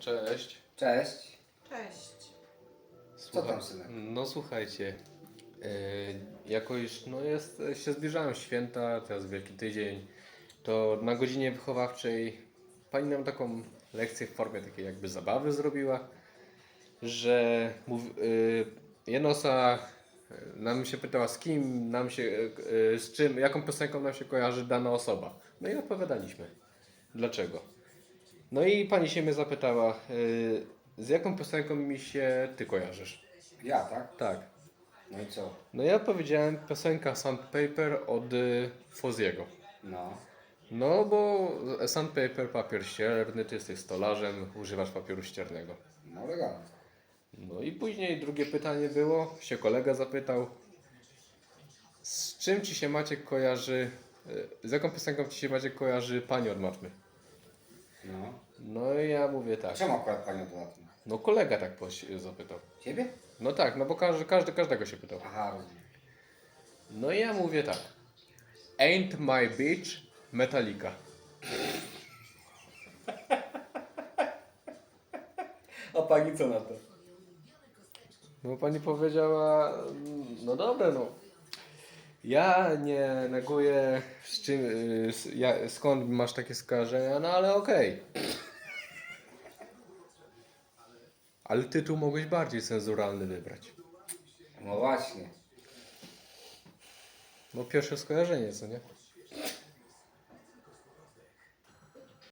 Cześć. Cześć. Cześć. Co tam, synek? No słuchajcie, jako już się zbliżają święta, teraz Wielki Tydzień, to na godzinie wychowawczej pani nam taką lekcję w formie takiej jakby zabawy zrobiła, że jedna osoba nam się pytała z czym, jaką piosenką nam się kojarzy dana osoba. No i odpowiadaliśmy. Dlaczego? No i pani się mnie zapytała, z jaką piosenką mi się ty kojarzysz? Ja, tak? Tak. No i co? No ja powiedziałem piosenka Sandpaper od Fozziego. No. No bo Sandpaper, papier ścierny, ty jesteś stolarzem, używasz papieru ściernego. No elegancko. No i później drugie pytanie było, się kolega zapytał, z czym ci się Maciek kojarzy, z jaką piosenką ci się Maciek kojarzy pani od matmy? No. No i ja mówię tak, Czemu akurat panią dodatnie? no kolega tak zapytał. Ciebie? No tak, no bo każdego się pytał. Aha, rozumiem. No i ja mówię tak. Ain't My Bitch Metallica. A pani co na to? No pani powiedziała, no dobra, no. Ja nie neguję skąd masz takie skojarzenia, no ale okej. Ale tytuł mogłeś bardziej cenzuralny wybrać. No właśnie. No pierwsze skojarzenie, co nie?